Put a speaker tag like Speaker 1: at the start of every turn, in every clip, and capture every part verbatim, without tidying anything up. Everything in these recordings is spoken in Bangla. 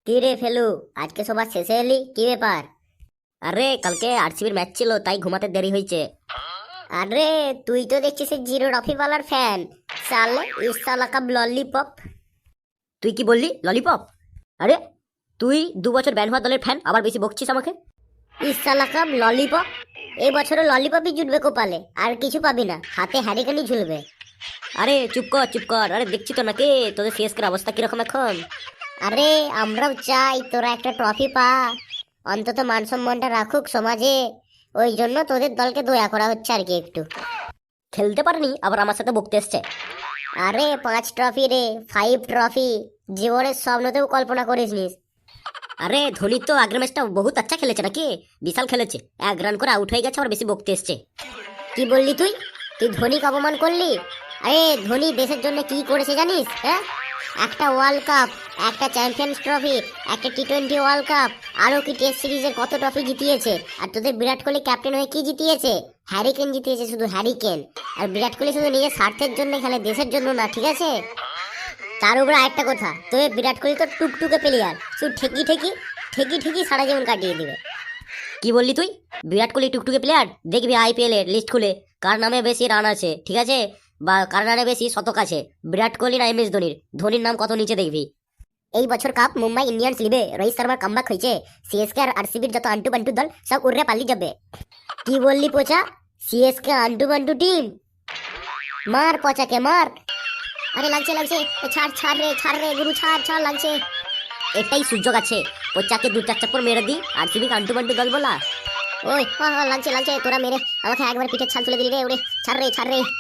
Speaker 1: কি রে ফেলু, আজকে সবার শেষে এলি, কি ব্যাপার? আরে কালকে আরসিবির ম্যাচ ছিল, তাই ঘুমাতে দেরি হয়েছে। আরে তুই তো দেখছিস এই জিরো ট্রফিওয়ালার ফ্যান। সালে ইস সালা কা ললিপপ। তুই কি বললি ললিপপ? আরে তুই দু বছর ব্যান হওয়া দলের ফ্যান, আবার বেশি বকছিস আমাকে। ইস সালা কা ললিপপ। এই বছরও ললিপপই জুটবে কপালে, আর কিছু পাবি না, হাতে হ্যারিকেনই ঝুলবে। আরে চুপ কর চুপ কর, আরে দেখছি তো নাকি তোদের সিএসকের অবস্থা কিরকম এখন। আরে আমরাও চাই তোরা একটা ট্রফি পা, অন্তত মান সম্মানটা রাখুক সমাজে। ওই জন্য তোদের দলকে দয়া করা হচ্ছে আর কি। একটু খেলতে পারেনি, আবার আমার সাথে বকতে এসছে। আরে পাঁচ ট্রফি রে, ফাইভ ট্রফি। জীবনের স্বপ্নতেও কল্পনা করিস নিস। আরে ধোনি তো আগের ম্যাচটা বহুত আচ্ছা খেলেছে নাকি, বিশাল খেলেছে, এক রান করে আউট হয়ে গেছে, আবার বেশি বকতে এসছে। কি বললি তুই? তুই ধোনিকে অপমান করলি? আরে ধোনি দেশের জন্য কি করেছে জানিস? হ্যাঁ, একটা ওয়ার্ল্ড কাপ, একটা চ্যাম্পিয়ন্স ট্রফি, একটা টি টোয়েন্টি ওয়ার্ল্ড কাপ, আরও কি টেস্ট সিরিজের কত ট্রফি জিতিয়েছে। আর তোদের বিরাট কোহলি ক্যাপ্টেন হয়ে কি জিতিয়েছে? হ্যারিকেন জিতিয়েছে, শুধু হ্যারিকেন। আর বিরাট কোহলি শুধু নিজের স্বার্থের জন্য খেলে, দেশের জন্য না, ঠিক আছে? তার উপরে আরেকটা কথা, তোদের বিরাট কোহলি তো টুকটুকে প্লেয়ার, শুধু ঠেকি ঠেকি ঠেকি ঠেকি সারা জীবন কাটিয়ে দিবে। কি বললি তুই? বিরাট কোহলি টুকটুকে প্লেয়ার? দেখবি আইপিএল এর লিস্ট খুলে কার নামে বেশি রান আছে, ঠিক আছে, বা কার নামে বেশি শতক আছে, বিরাট কোহলি না এম এস ধোনির। ধোনির নাম কত নিচে দেখবি। এই বছর কাপ মুম্বাই ইন্ডিয়ান্স লিবে, রোহিত শর্মার কামব্যাক হয়েছে। সিএসকে আর আরসিবির যত আন্টু বান্টু দল সব উড়ে পালি যাবে। কি বললি পচা? সিএসকে আন্টু বান্টু টিম? মার পচাকে মার। আরে লাগছে লাগছে, ছাড় ছাড় রে ছাড় রে গুরু, ছাড় ছাড়, লাগছে। এটাই সুযোগ আছে, পচাকে দু চার চাপ্পর মেরে দি, আরসিবি আন্টু বান্টু দল বলা। ওই হ্যাঁ হ্যাঁ, লাগছে লাগছে, তোরা মেরে আমাকে একবার পিঠের ছাল তুলে দিলি রে। ওরে ছাড় রে ছাড় রে,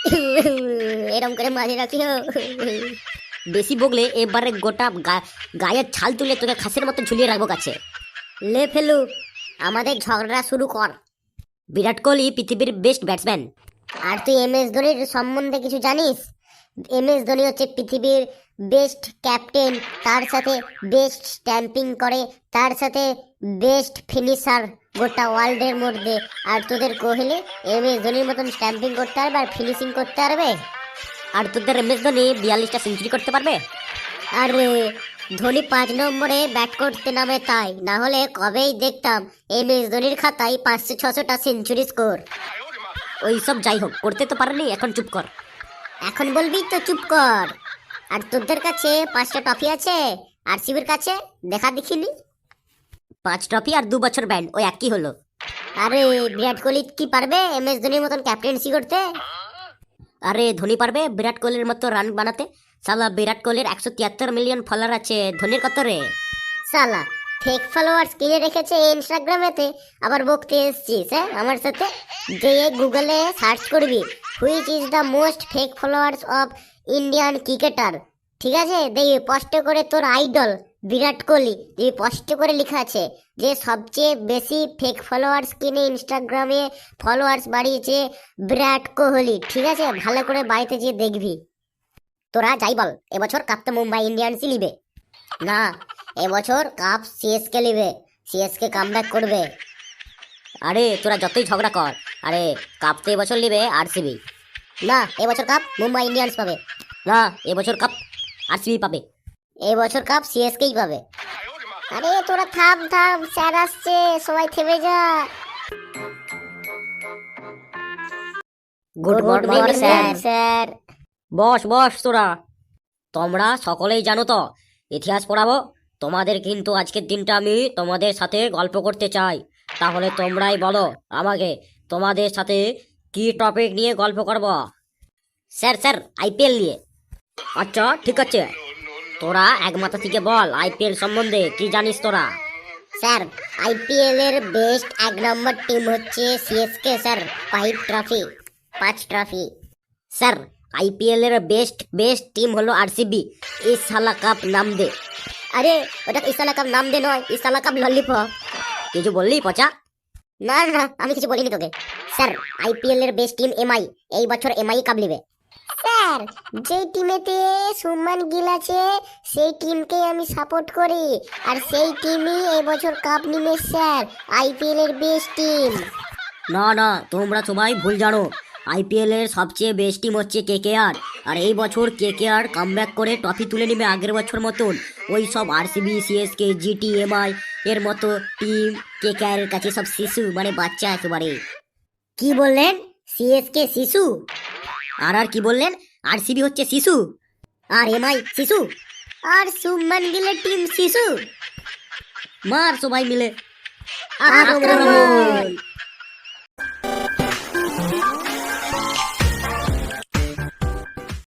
Speaker 1: এরম করে মাঝে রাখিও। বেশি বগলে এবারে গোটা গায়ের ছাল তুলে তোকে খাসের মতো ঝুলিয়ে রাখবো কাছে। লে ফেলু, আমাদের ঝগড়া শুরু কর। বিরাট কোহলি পৃথিবীর বেস্ট ব্যাটসম্যান, আর তুই এম এস ধোনির সম্বন্ধে কিছু জানিস? এম এস ধোনি হচ্ছে পৃথিবীর বেস্ট ক্যাপ্টেন, তার সাথে বেস্ট স্ট্যাম্পিং করে, তার সাথে বেস্ট ফিনিশার গোটা ওয়ার্ল্ডের মধ্যে। আর তোদের কোহলি এম এস ধোনির মতন স্ট্যাম্পিং করতে পারবে আর ফিনিশিং করতে পারবে? আর তোদের এম এস ধোনি বিয়াল্লিশটা সেঞ্চুরি করতে পারবে? আরে ধোনি পাঁচ নম্বরে ব্যাট করতে নামে, তাই না হলে কবেই দেখতাম এম এস ধোনির খাতায় পাঁচশো ছশোটা সেঞ্চুরি স্কোর। ওইসব যাই হোক, করতে তো পারেনি, এখন চুপ কর। এখন বলবি তো চুপ কর। আর তোদের কাছে পাঁচটা ট্রফি আছে, আরসিবির কাছে দেখা দেখিনি। পাঁচ ট্রফি আর দু বছর ব্যান, ওই একই হলো। আরে বিরাট কোহলি কি পারবে এম এস ধোনির মতন ক্যাপ্টেন্সি করতে? আরে ধোনি পারবে বিরাট কোহলির মতো রান বানাতে। সালা বিরাট কোহলির একশো তিয়াত্তর মিলিয়ন ফলোয়ার আছে, ধোনির কত রে? সালা ফেক ফলোয়ার্স কিনে রেখেছে ইনস্টাগ্রামেতে, আবার বকতে এসছিস হ্যাঁ আমার সাথে? যে গুগলে সার্চ করবি which is the most fake followers of Indian cricketer, ঠিক আছে, দেখবি স্পষ্ট করে তোর আইডল বিরাট কোহলি, দেখবি স্পষ্ট করে লেখা আছে যে সবচেয়ে বেশি ফেক ফলোয়ার্স কিনে ইনস্টাগ্রামে ফলোয়ার্স বাড়িয়েছে বিরাট কোহলি, ঠিক আছে? ভালো করে বাড়িতে যেয়ে দেখবি। তোরা যাই বল, এবছর কাপ তো মুম্বাই ইন্ডিয়ান্সই লিবে। না, এবছর কাপ সিএসকে লিবে, সিএসকে কামব্যাক করবে। আরে তোরা যতই ঝগড়া কর, আরে কাপ তো এবছর লিবে আরসিবি। না, এবছর কাপ মুম্বাই ইন্ডিয়ান্স পাবে। না, এবছর কাপ আরসিবি পাবে। এবছর কাপ সিএসকেই পাবে। আরে তোরা থাম থাম, স্যার আসছে, সবাই থেমে যা। Good morning sir. স্যার বস বস, তোরা তোমরা সকলেই জানো তো, ইতিহাস পড়াবো তোমাদের, কিন্তু আজকের দিনটা আমি তোমাদের সাথে গল্প করতে চাই। তাহলে তোমরাই বলো আমাকে, তোমাদের সাথে কি টপিক নিয়ে গল্প করব? স্যার স্যার আইপিএল নিয়ে। আচ্ছা ঠিক আছে, তোরা এক মাথা থেকে বল আইপিএল সম্বন্ধে কি জানিস তোরা? স্যার আইপিএল এর বেস্ট এক নম্বর টিম হচ্ছে সিএসকে স্যার, ফাইভ ট্রফি, পাঁচ ট্রফি। স্যার আইপিএল এর বেস্ট বেস্ট টিম হলো আরসিবি, ইস সালা কাপ নাম দে। আরে ওটা ইস সালা কাপ নাম দে নয়, ইস সালা কাপ ললিপপ। কিছু বললি পচা? না না, আমি কিছু বলিনি তোকে। স্যার আইপিএল এর বেস্ট টিম এমআই, এই বছর এমআই কাপ লিবে। স্যার যে টিমেতে সুমান গিল আছে সেই টিমকে আমি সাপোর্ট করি, আর সেই টিমই এই বছর কাপ নিবে স্যার, আইপিএল এর বেস্ট টিম। না না, তোমরা সবাই ভুল জানো, আইপিএল এর সবচেয়ে বেস্ট টিম হচ্ছে কেকেআর। আর এই বছর কেকেআর কামব্যাক করে ট্রফি তুলে নেবে আগের বছর মতন। ওই সব আরসিবি, সিএসকে, জিটি, এমআই এর মতো টিম কেকেআর এর কাছে সব শিশু, মানে বাচ্চা একেবারে। কি বললেন? সিএসকে শিশু? আর আর কি বললেন? আরসিবি হচ্ছে শিশু আর এমআই শিশু আর শুভমান গিলের টিম শিশু। মার সবাই মিলে আক্রমণ!